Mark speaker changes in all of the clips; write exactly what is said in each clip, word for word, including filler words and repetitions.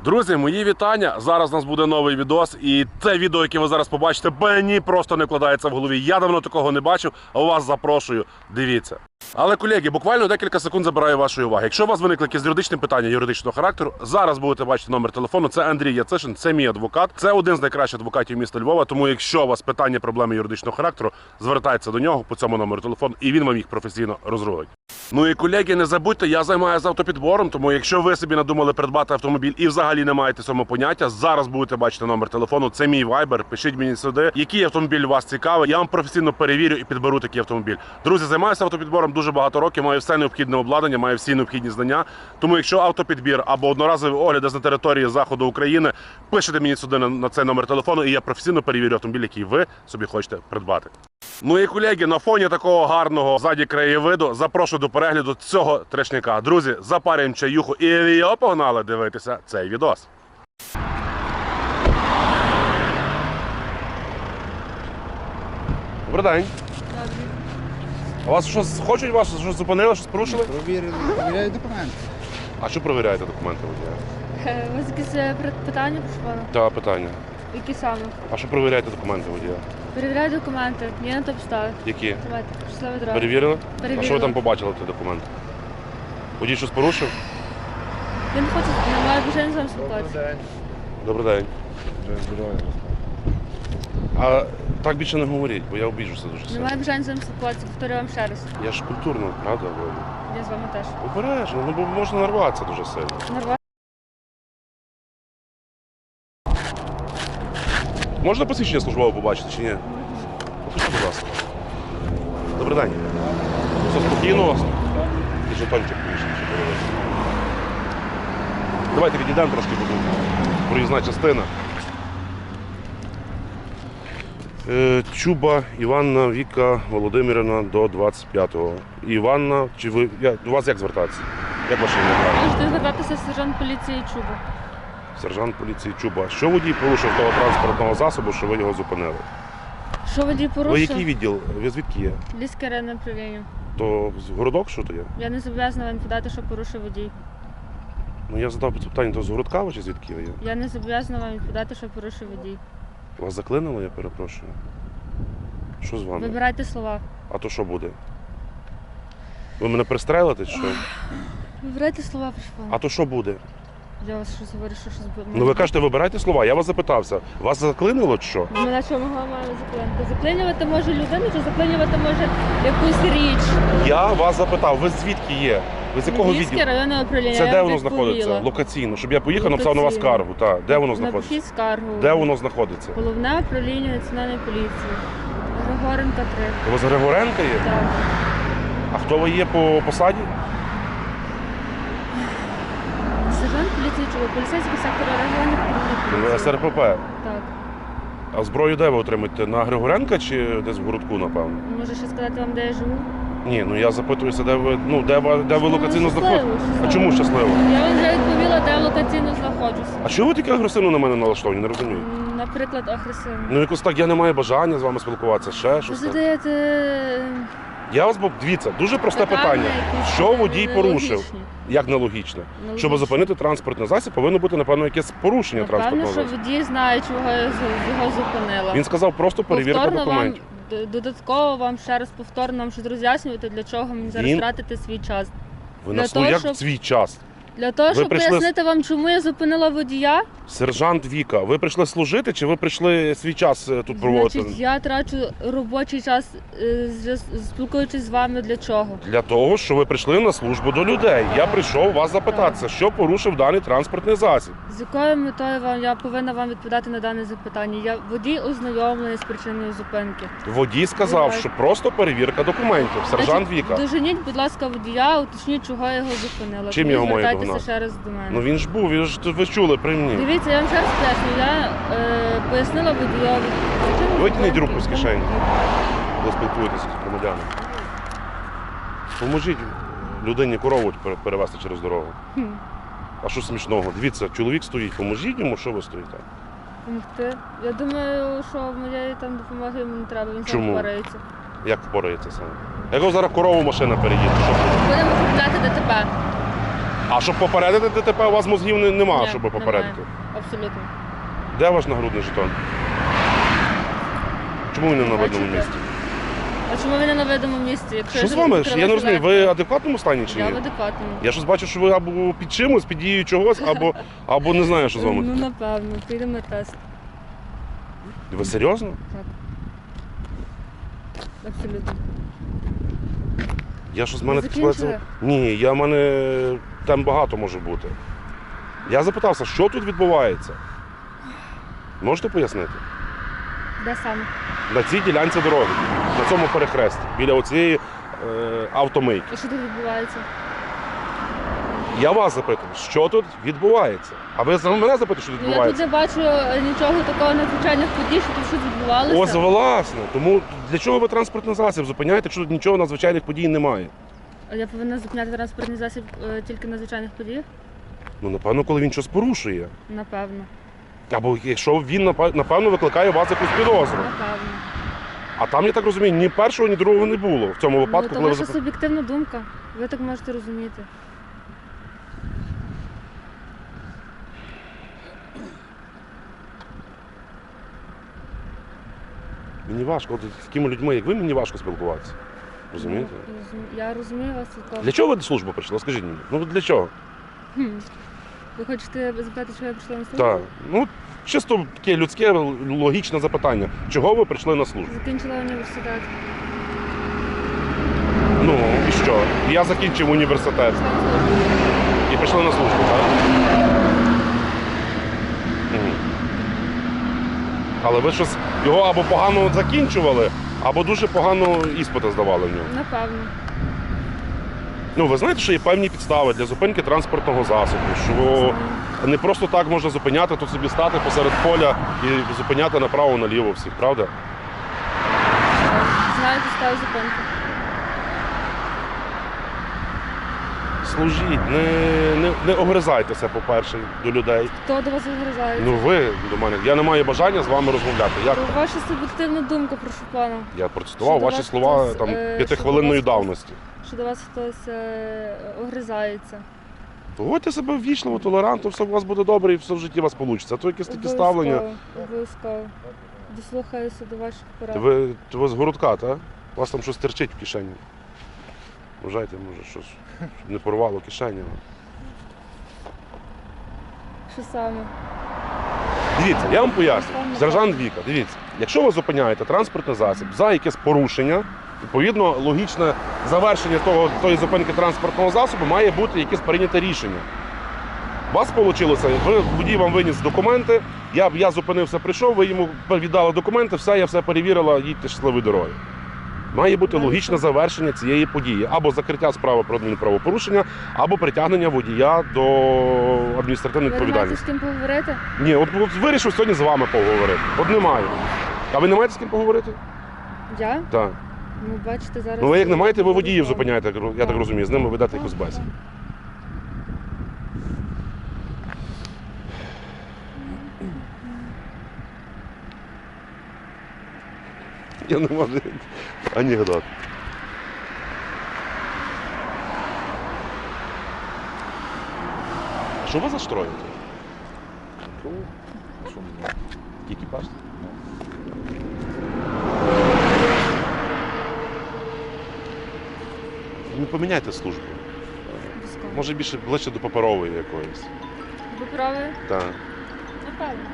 Speaker 1: Друзі, мої вітання. Зараз у нас буде новий відос. І це відео, яке ви зараз побачите, мені просто не вкладається в голові. Я давно такого не бачив, а вас запрошую. Дивіться. Але, колеги, буквально декілька секунд забираю вашої уваги. Якщо у вас виникли якісь юридичні питання юридичного характеру, зараз будете бачити номер телефону. Це Андрій Яцишин, це мій адвокат. Це один з найкращих адвокатів міста Львова. Тому, якщо у вас питання, проблеми юридичного характеру, звертайтеся до нього по цьому номеру телефону, і він вам їх професійно розрулить. Ну і, колеги, не забудьте, я займаюся автопідбором, тому якщо ви собі надумали придбати автомобіль і взагалі не маєте цьому поняття, зараз будете бачити номер телефону, це мій вайбер, пишіть мені сюди, який автомобіль вас цікавий, я вам професійно перевірю і підберу такий автомобіль. Друзі, займаюся автопідбором дуже багато років, маю все необхідне обладнання, маю всі необхідні знання, тому якщо автопідбір або одноразовий огляд десь на території заходу України, пишете мені сюди на, на цей номер телефону і я професійно перевірю автомобіль, який ви собі хочете придбати. Ну і, колеги, на фоні такого гарного ззаді краєвиду запрошую до перегляду цього трешняка. Друзі, запарюємо чаюху і йо, погнали дивитися цей відос. Добрий день. А вас щось хочуть, вас щось зупинили, щось порушили?
Speaker 2: Провірили, перевіряють документи.
Speaker 1: А що перевіряєте документи водія?
Speaker 3: У вас якісь е, питання, прошу пана?
Speaker 1: Та питання.
Speaker 3: Які саме?
Speaker 1: А що перевіряєте документи водія?
Speaker 3: Перевіряю документи. Є на то підстави.
Speaker 1: Які?
Speaker 3: Давайте, щасливої дороги.
Speaker 1: Перевірили?
Speaker 3: Перевірила.
Speaker 1: А що ви там побачили, ті документи? Водій щось порушив?
Speaker 3: Він хоче, немає бажання з вами спілкуватися.
Speaker 1: Добрий день.
Speaker 2: Здоров'я.
Speaker 1: А так більше не говоріть, бо я обіжуся дуже сильно.
Speaker 3: Немає бажання з вами спілкуватися, повторюю вам ще раз.
Speaker 1: Я ж культурно, правда? говорю?
Speaker 3: Я з вами теж.
Speaker 1: Обережно, ну бо можна нарватися дуже сильно.
Speaker 3: Нормально.
Speaker 1: Можна посвідчення службове побачити чи ні? Покажіть, будь ласка. Добрий день. Все спокійно у вас? І жетончик більше, чи подивитися. Давайте відійдемо трошки, бо тут проїзна частина. Е, Чуба Іванна Віка Володимирівна до двадцять п'ятого. Іванна, чи ви, я, до вас як звертатися? Як ваше ім'я правильно?
Speaker 3: Можете звертатися сержант поліції Чуба.
Speaker 1: Сержант поліції Чуба. Що водій порушив того транспортного засобу, що ви його зупинили?
Speaker 3: Що водій
Speaker 1: Ви
Speaker 3: порушив?
Speaker 1: який відділ? Ви звідки є?
Speaker 3: Львівське районне управління.
Speaker 1: То з городок що то є?
Speaker 3: Я не зобов'язана вам подати, що порушив водій.
Speaker 1: Ну я задав питання, то з городка ви чи звідки ви є?
Speaker 3: Я не зобов'язана вам подати, що порушив водій.
Speaker 1: Вас заклинило, я перепрошую. Що з вами?
Speaker 3: Вибирайте слова.
Speaker 1: А то що буде? Ви мене пристрелите чи що?
Speaker 3: Вибирайте слова, прошу пана.
Speaker 1: А то що буде?
Speaker 3: Я вас щось говорю, що щось буде.
Speaker 1: Ну ви кажете, вибирайте слова, я вас запитався. Вас заклинило чи що?
Speaker 3: Мене що могла має заклинити? Заклинювати може людину, чи заклинювати може якусь річ?
Speaker 1: Я вас запитав, ви звідки є? Ви з якого
Speaker 3: Львівське
Speaker 1: відділу?
Speaker 3: районне управління.
Speaker 1: Це
Speaker 3: я
Speaker 1: де
Speaker 3: вам
Speaker 1: воно
Speaker 3: відповіла.
Speaker 1: знаходиться? Локаційно, щоб я поїхав, написав на вас
Speaker 3: Локаційно.
Speaker 1: скаргу. Так, де воно знаходиться?
Speaker 3: Напишіть скаргу.
Speaker 1: Де воно знаходиться?
Speaker 3: Головне управління Національної поліції. Григоренка три.
Speaker 1: У вас Григоренка є?
Speaker 3: Так.
Speaker 1: А хто ви є по посаді?
Speaker 3: Сержант поліції Чуба, поліцейський сектор реагування патрульної поліції.
Speaker 1: С Р П П.
Speaker 3: Так.
Speaker 1: А зброю де ви отримаєте? На Григоренка чи десь в городку, напевно?
Speaker 3: Може ще сказати вам, де я живу?
Speaker 1: Ні, ну я запитуюся, де ви, ну, де ви, де ви
Speaker 3: Ну,
Speaker 1: локаційно
Speaker 3: щасливо,
Speaker 1: знаходитесь. А
Speaker 3: щасливо.
Speaker 1: чому щасливо?
Speaker 3: Я вам вже відповіла, де я локаційно знаходжуся.
Speaker 1: А чого ви таке агресивно на мене налаштовані? Не розумію.
Speaker 3: М, Наприклад, агресивно.
Speaker 1: Ну якось так, я не маю бажання з вами спілкуватися, ще
Speaker 3: Ви
Speaker 1: щось. так.
Speaker 3: задаєте
Speaker 1: Я вас, бо- дивіться, дуже просте
Speaker 3: питання,
Speaker 1: питання.
Speaker 3: якісь
Speaker 1: Що водій порушив?
Speaker 3: нелогічні.
Speaker 1: Як нелогічне?
Speaker 3: Нелогічні.
Speaker 1: Щоб зупинити транспортний засіб, повинно бути, напевно, якесь порушення
Speaker 3: Напевно,
Speaker 1: транспортного
Speaker 3: що
Speaker 1: засобу.
Speaker 3: водій знає, чого я з- його зупинила.
Speaker 1: Він сказав просто перевірка
Speaker 3: Повторно вам,
Speaker 1: документів.
Speaker 3: д- додатково вам ще раз повторно вам щось роз'яснювати, для чого мені зараз
Speaker 1: Він-
Speaker 3: тратити свій час.
Speaker 1: Ви
Speaker 3: для
Speaker 1: нас,
Speaker 3: того,
Speaker 1: ну як
Speaker 3: щоб-
Speaker 1: свій час?
Speaker 3: Для того,
Speaker 1: Ви
Speaker 3: щоб
Speaker 1: прийшли з-
Speaker 3: пояснити вам, чому я зупинила водія,
Speaker 1: Сержант Віка, ви прийшли служити чи ви прийшли свій час е, тут проводити?
Speaker 3: значить, я трачу робочий час, е, зв'яз- спілкуючись з вами для чого?
Speaker 1: Для того, що ви прийшли на службу до людей. Я прийшов вас запитатися, що порушив даний транспортний засіб.
Speaker 3: З якою метою вам я повинна вам відповідати на дане запитання? Я водій ознайомлений з причиною зупинки.
Speaker 1: Водій сказав,
Speaker 3: Давай.
Speaker 1: що просто перевірка документів. Сержант
Speaker 3: Значить,
Speaker 1: Віка.
Speaker 3: Доженіть, будь ласка, водія, уточніть, чого я його зупинила.
Speaker 1: Чим
Speaker 3: Тоді
Speaker 1: його маю
Speaker 3: звертайтеся
Speaker 1: догнати?
Speaker 3: ще раз до мене.
Speaker 1: Ну він ж був, він ж ви чули при мені.
Speaker 3: Дивіться, я вам ще раз поясню. Я е, пояснила водійові. причину
Speaker 1: Витягніть
Speaker 3: зупинки,
Speaker 1: руку з
Speaker 3: тому
Speaker 1: кишені.
Speaker 3: подібне.
Speaker 1: Ви спілкуєтеся з громадянами. Поможіть людині корову пере- перевезти через дорогу.
Speaker 3: Хм.
Speaker 1: А що смішного? Дивіться, чоловік стоїть, поможіть йому, що ви стоїте?
Speaker 3: Помогти. Я думаю, що моєї там допомоги йому не треба, він
Speaker 1: Чому?
Speaker 3: сам впорається.
Speaker 1: Як впорається саме? Як його зараз корову машина переїде, що буде?
Speaker 3: Будемо купляти ДТП.
Speaker 1: А щоб попередити ДТП, у вас мозгів не- нема,
Speaker 3: Ні,
Speaker 1: щоб
Speaker 3: немає.
Speaker 1: попередити.
Speaker 3: Абсолютно.
Speaker 1: Де ваш нагрудний жетон? Чому він не на видному
Speaker 3: Бачите?
Speaker 1: місці?
Speaker 3: А чому ви не на видному місці? Якщо
Speaker 1: Що з
Speaker 3: я
Speaker 1: вами?
Speaker 3: відкрила
Speaker 1: Я не розумію, ви
Speaker 3: жилетку?
Speaker 1: в адекватному стані чи
Speaker 3: Я в
Speaker 1: ні?
Speaker 3: адекватному.
Speaker 1: Я щось бачу, що ви або під чимось, під дією чогось, або, або не знаю, що з вами.
Speaker 3: Ну, напевно, підемо на тест.
Speaker 1: Ви серйозно?
Speaker 3: Так. Абсолютно.
Speaker 1: Я що з мене
Speaker 3: Ви
Speaker 1: так
Speaker 3: закінчили?
Speaker 1: сказати? Ні, я в мене там багато може бути. Я запитався, що тут відбувається? Можете пояснити?
Speaker 3: Де саме?
Speaker 1: На цій ділянці дороги, на цьому перехресті, біля оцієї е, автомийки.
Speaker 3: І що тут відбувається?
Speaker 1: Я вас запитую, що тут відбувається? А ви саме мене запитуєте, що тут
Speaker 3: Ну, я тут
Speaker 1: відбувається?
Speaker 3: не бачу е, нічого такого надзвичайних подій, що тут щось відбувалося.
Speaker 1: Ось власне. Тому для чого ви транспортний засіб зупиняєте, якщо тут нічого надзвичайних подій немає?
Speaker 3: А я повинна зупиняти транспортний засіб е, тільки на звичайних подіях?
Speaker 1: Ну, напевно, коли він щось порушує.
Speaker 3: Напевно.
Speaker 1: Або якщо він напев- напевно викликає у вас якусь підозру.
Speaker 3: Напевно.
Speaker 1: А там, я так розумію, ні першого, ні другого не було в цьому випадку,
Speaker 3: Ну, то
Speaker 1: коли ви
Speaker 3: ваша
Speaker 1: зап-
Speaker 3: суб'єктивна думка. Ви так можете розуміти.
Speaker 1: Мені важко, от з такими людьми, як ви, мені важко спілкуватися. Розумієте?
Speaker 3: Ну, розум- Я розумію вас цілком.
Speaker 1: Для чого ви до служби прийшли? Скажіть мені. Ну для чого?
Speaker 3: Хм. Ви хочете запитати, що я прийшла на службу?
Speaker 1: Так. Ну, чисто таке людське, логічне запитання. Чого ви прийшли на службу?
Speaker 3: Закінчила університет.
Speaker 1: Ну, і що? Я закінчив університет
Speaker 3: Прийшла на службу.
Speaker 1: і прийшли на службу, так? Мгм. Але ви щось його або погано закінчували, або дуже погано іспити здавали в нього.
Speaker 3: Напевно.
Speaker 1: Ну, ви знаєте, що є певні підстави для зупинки транспортного засобу, що не просто так можна зупиняти, тут собі стати посеред поля і зупиняти направо-наліво всіх, правда?
Speaker 3: Знаю підстави зупинки.
Speaker 1: Служіть, не, не, не огризайтеся, по-перше, до людей.
Speaker 3: Хто до вас вигризається?
Speaker 1: Ну ви до мене. Я не маю бажання з вами розмовляти. Як?
Speaker 3: То ваша суб'єктивна думка, прошу пана.
Speaker 1: Я процитував
Speaker 3: Що до
Speaker 1: ваші
Speaker 3: вас
Speaker 1: слова
Speaker 3: хтось,
Speaker 1: там
Speaker 3: е,
Speaker 1: п'ятихвилинної
Speaker 3: що до вас
Speaker 1: давності.
Speaker 3: Що до вас хтось е, огризається.
Speaker 1: Поводьте себе ввічливо, толерантно, все у вас буде добре і все в житті у вас вийде. А то якесь таке ставлення.
Speaker 3: Обов'язково, Обов'язково. Дослухаюся до ваших порад.
Speaker 1: Ви, ви з городка, так? У вас там щось терчить в кишені. Вважайте, може, щось щоб не порвало кишені.
Speaker 3: Що саме?
Speaker 1: Дивіться, я вам поясню. Сержант Віка, дивіться, якщо ви зупиняєте транспортний засіб за якесь порушення, відповідно, логічне завершення того, тої зупинки транспортного засобу має бути якесь прийняте рішення. У вас вийшло, ви, водій вам виніс документи, я, я зупинився, прийшов, ви йому віддали документи, все, я все перевірила, їдьте щасливої дороги. Має бути логічне завершення цієї події. Або закриття справи про адмінправопорушення, або притягнення водія до адміністративної
Speaker 3: Ви не маєте з
Speaker 1: відповідальності.
Speaker 3: ким поговорити?
Speaker 1: Ні, от, от вирішив сьогодні з вами поговорити. От немає. А ви не маєте з ким поговорити?
Speaker 3: Я?
Speaker 1: Так.
Speaker 3: Ну, бачите, зараз...
Speaker 1: Ну ви як не маєте, ви
Speaker 3: Зараз
Speaker 1: водіїв
Speaker 3: вам.
Speaker 1: зупиняєте, я так- я так розумію, з ними ведете якусь бесіду. Я не можу. Анекдот. А що ви застроїте? Екіпаж? Не поміняйте службу.
Speaker 3: Обов'язково.
Speaker 1: Може більше ближче до паперової якоїсь.
Speaker 3: Ви праві?
Speaker 1: Так.
Speaker 3: Напевно.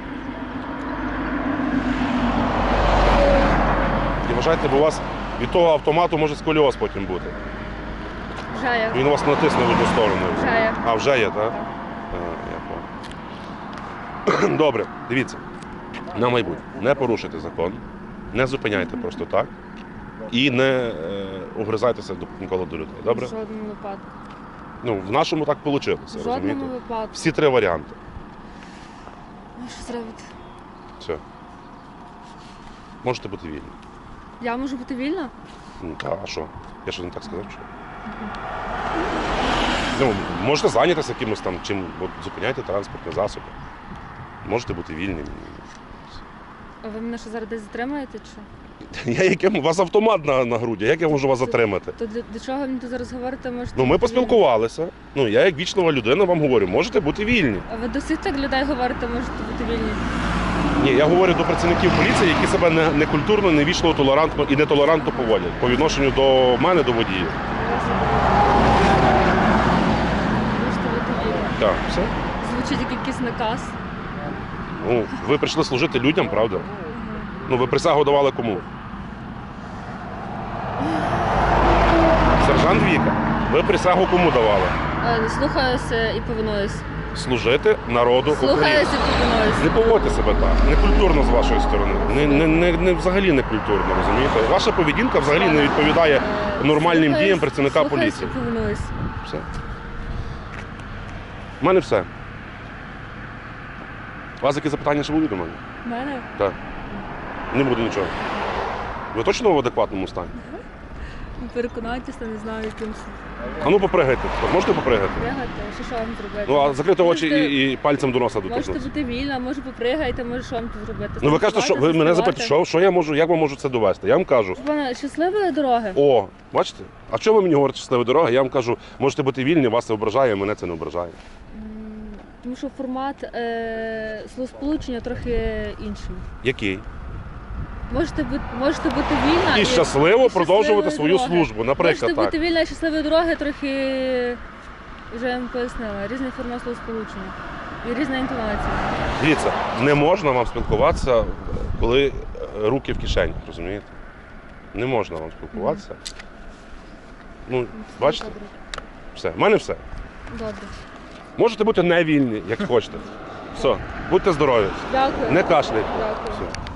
Speaker 1: І вважайте, бо у вас від того автомату може сколіоз потім бути.
Speaker 3: Вже є.
Speaker 1: Він у вас натисне в одну сторону.
Speaker 3: Вже є.
Speaker 1: А, вже є, так?
Speaker 3: Так.
Speaker 1: А, я понял. Добре, дивіться. На майбутнє. Не порушуйте закон, не зупиняйте просто так і не е, огризайтеся до, ніколи до людей. Добре?
Speaker 3: В жодному випадку.
Speaker 1: Ну, в нашому так вийшло,
Speaker 3: В жодному
Speaker 1: розумієте?
Speaker 3: випадку.
Speaker 1: Всі три варіанти.
Speaker 3: Ну, що зробити?
Speaker 1: Все. Можете бути вільні.
Speaker 3: Я можу бути вільна?
Speaker 1: Ну, та, а що? Я що не так сказав? Що? Ну, можете зайнятися якимось там, чим от, зупиняйте транспортні засоби. Можете бути вільними.
Speaker 3: А ви мене що зараз десь затримаєте чи що?
Speaker 1: Я яким? У вас автомат на, на груді, як я можу вас затримати?
Speaker 3: То для, для чого ви мені тут зараз говорите? Можете
Speaker 1: Ну, ми
Speaker 3: бути
Speaker 1: поспілкувалися. Ну, я як вічлива людина вам говорю, можете бути вільні.
Speaker 3: вільні. А ви до всіх так людей говорите, можете бути вільні.
Speaker 1: Ні, я говорю до працівників поліції, які себе не, некультурно, невічливо, толерантно і нетолерантно поводять по відношенню до мене, до водіїв.
Speaker 3: Можете бути вільні.
Speaker 1: Так, все.
Speaker 3: Звучить як якийсь наказ.
Speaker 1: Ну, ви прийшли служити людям, правда? Ну, ви присягу давали кому? Сержант Віка, ви присягу кому давали?
Speaker 3: Е, Слухаюся і повинуюсь.
Speaker 1: Служити народу України.
Speaker 3: Слухаюся і повинуюсь.
Speaker 1: Не поводьте себе так, некультурно з вашої сторони. Не, не, не, не взагалі не культурно, розумієте? Ваша поведінка взагалі не відповідає
Speaker 3: Е,
Speaker 1: нормальним
Speaker 3: слухаюсь-
Speaker 1: діям працівника
Speaker 3: слухаюсь
Speaker 1: поліції.
Speaker 3: і повинуюсь.
Speaker 1: Все. У мене все. У вас які запитання ще будуть до мене?
Speaker 3: У мене?
Speaker 1: Так. Не буде нічого. Ви точно в адекватному стані?
Speaker 3: Переконайтеся, не знаю, якимось
Speaker 1: А ну попригайте. Можете попригати?
Speaker 3: пригати, що що вам зробити?
Speaker 1: Ну, а закрити очі
Speaker 3: Можете-
Speaker 1: і, і пальцем до носа
Speaker 3: Можете
Speaker 1: доторкнутися.
Speaker 3: бути вільна, може попригайте, може що вам тут зробити.
Speaker 1: Ну ви кажете, що ви мене
Speaker 3: Заспівайте.
Speaker 1: запитуєте, що, що я можу, як вам можу це довести? Я вам кажу,
Speaker 3: Пане, щасливої дороги.
Speaker 1: о, бачите? А що ви мені говорите щасливі дороги? Я вам кажу, можете бути вільні, вас це ображає, мене це не ображає.
Speaker 3: М, Тому що формат е, словосполучення трохи інший.
Speaker 1: Який?
Speaker 3: Можете бути, можете бути вільна
Speaker 1: І щасливо
Speaker 3: і
Speaker 1: продовжувати
Speaker 3: щасливої
Speaker 1: свою
Speaker 3: дороги.
Speaker 1: службу, наприклад,
Speaker 3: Можете
Speaker 1: так.
Speaker 3: бути вільна і щасливої дороги трохи, вже я вам пояснила, різний формат словосполучення і різна інтонація.
Speaker 1: Дивіться, не можна вам спілкуватися, коли е, руки в кишені, розумієте? Не можна вам спілкуватися. Ну, бачите,
Speaker 3: Добре.
Speaker 1: все. В мене все.
Speaker 3: Добре.
Speaker 1: Можете бути невільні, як хочете. Все, будьте здорові.
Speaker 3: Дякую.
Speaker 1: Не кашляйте.
Speaker 3: Дякую.
Speaker 1: Все.